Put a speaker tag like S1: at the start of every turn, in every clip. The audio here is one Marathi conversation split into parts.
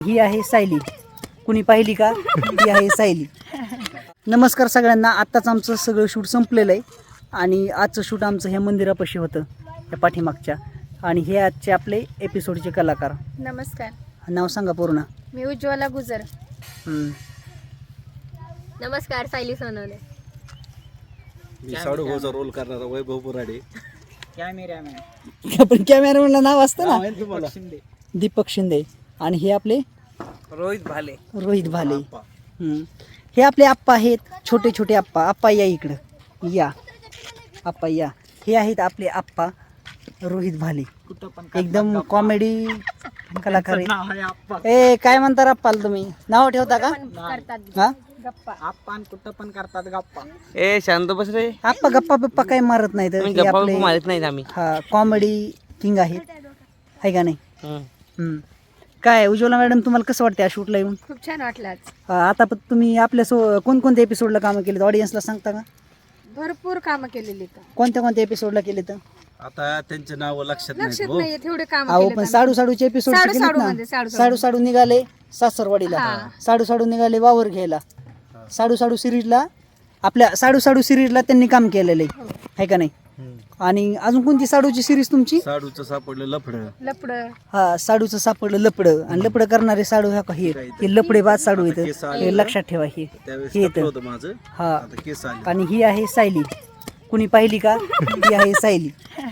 S1: ही आहे सायली. कुणी पाहिली का? ही आहे सायली. नमस्कार सगळ्यांना. आत्ताच आमचं सगळं शूट संपलेलं आहे आणि आजचं शूट आमचं ह्या मंदिरापाशी होतं, त्या पाठीमागच्या. आणि हे आजचे आपले एपिसोडचे कलाकार.
S2: नमस्कार,
S1: नाव सांगा पूर्ण.
S2: मी उज्ज्वला गुजर.
S3: नमस्कार, सायली सोनवणे.
S4: मी साडूभाऊचा रोल करणारा वैभव पुराडे.
S1: पण कॅमेरामॅनला नाव असतं ना,
S4: माहिती तुम्हाला?
S1: दीपक शिंदे. आणि हे आपले
S4: रोहित भाले.
S1: हे आपले आप्पा आहेत, छोटे छोटे आप्पा. आप्पा या इकडं, या आप्पा या. हे आहेत आपले आप्पा रोहित भाले, एकदम कॉमेडी कलाकार आहेत. ए काय म्हणता आप्पाला तुम्ही? नाव ठेवता का? हा,
S5: आपण कुठं पण करतात गप्पा.
S4: ए शांत बस रे.
S1: आप्पा गप्पा बिप्पा काही मारत नाहीत. हे आपले
S4: मारत नाही आम्ही.
S1: हा कॉमेडी किंग आहेत, आहे का नाही? काय उज्ज्वला मॅडम, तुम्हाला कसं वाटतं या शूटला येऊन?
S2: खूप छान वाटलं आज.
S1: आता पण तुम्ही आपल्या कोणकोणत्या एपिसोडला कामं केलीत, ऑडियन्सला सांगता का?
S2: भरपूर कामं केलेली तर
S1: कोणत्या कोणत्या एपिसोडला केले तर?
S4: आता त्यांचे नाव लक्षात
S2: लक्षात
S4: नाही.
S2: नाहीये तेवढे काम
S1: अहो पण साडूचे एपिसोड साडू निघाले सासरवाडीला, साडू निघाले वावर घ्यायला, साडू सिरीजला, आपल्या साडू सिरीजला त्यांनी काम केलेलं आहे का नाही? आणि अजून कोणती साडूची सिरीज तुमची?
S4: साडूचं सापडलं
S2: लपड.
S1: हा, साडूचं सापडलं लपडं. आणि लपडं करणारे साडू ह्या का? हे लपडे बाद साडू येतं, हे लक्षात ठेवा. हे येतं
S4: होतं माझं.
S1: हा.
S4: आता केस आले.
S1: आणि ही आहे सायली. कुणी पाहिली का? ही आहे सायली.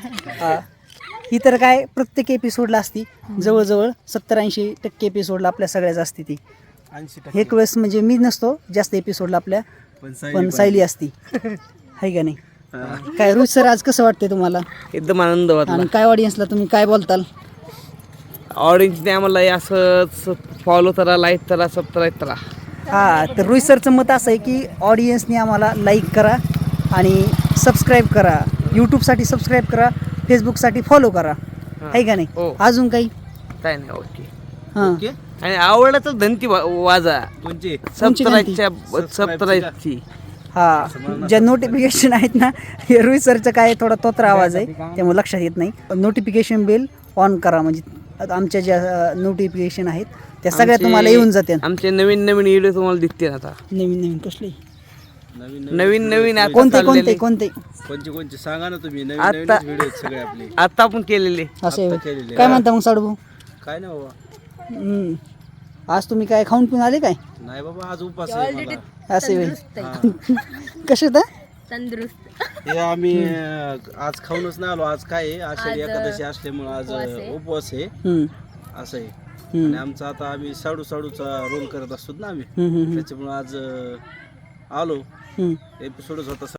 S1: ही तर काय प्रत्येक एपिसोडला असती, जवळजवळ 70-80% एपिसोडला आपल्या सगळ्याच असते ती.
S4: 80%
S1: एक वेळेस म्हणजे मी नसतो जास्त एपिसोडला आपल्या, पण सायली असती, आहे का नाही? काय रोहित सर, आज कसं वाटतंय तुम्हाला?
S5: एकदम आनंद वाटला.
S1: आणि काय ऑडियन्सला तुम्ही काय बोलताल?
S5: ऑडियन्सने आम्हाला असंच फॉलो करा, लाईक करा, सबस्क्राईब करा.
S1: हा, तर रोहित सरचं मत असं आहे की ऑडियन्सने आम्हाला लाईक करा आणि सबस्क्राईब करा. यूट्यूबसाठी सबस्क्राईब करा, फेसबुकसाठी फॉलो करा, आहे का नाही?
S5: हो.
S1: अजून काही?
S5: काय नाही, ओके.
S1: हां,
S5: आणि आवडला तर धनती वाजा
S4: कोणचे?
S5: सबस्क्राईबची.
S1: हा, ज्या नोटिफिकेशन आहेत ना, हे रोहित सरचं काय थोडा तोत्रा आवाज आहे, त्यामुळे लक्षात येत नाही. नोटिफिकेशन बेल ऑन करा, म्हणजे आमच्या ज्या नोटिफिकेशन आहेत त्या सगळ्या तुम्हाला येऊन जाते.
S5: आमचे नवीन व्हिडिओ तुम्हाला दिसतील आता.
S1: नवीन कसले?
S5: नवीन आता
S1: कोणते
S5: चाललेले.
S4: कोणचे सांगा ना तुम्ही. नवीन व्हिडिओ सगळे आपले
S5: आता आपण केलेले.
S1: असे
S4: केलेले.
S1: काय म्हणता मग साडू भाऊ?
S4: काय नाही बाबा,
S1: आज तुम्ही काय खाऊन पिऊन आले काय?
S4: नाही बाबा, आज उपास आहे मला.
S1: असे कसे तर
S3: तंदुरुस्त.
S4: हे आम्ही आज खाऊनच नाही आलो. आज काय आहे, आषाढी एकादशी असल्यामुळे आज उपवास आहे, असं आहे. आणि आमचा आता आम्ही साडूचा रोल करत असतो ना आम्ही, त्याच्यामुळे आज आलो. एपिसोडच होता.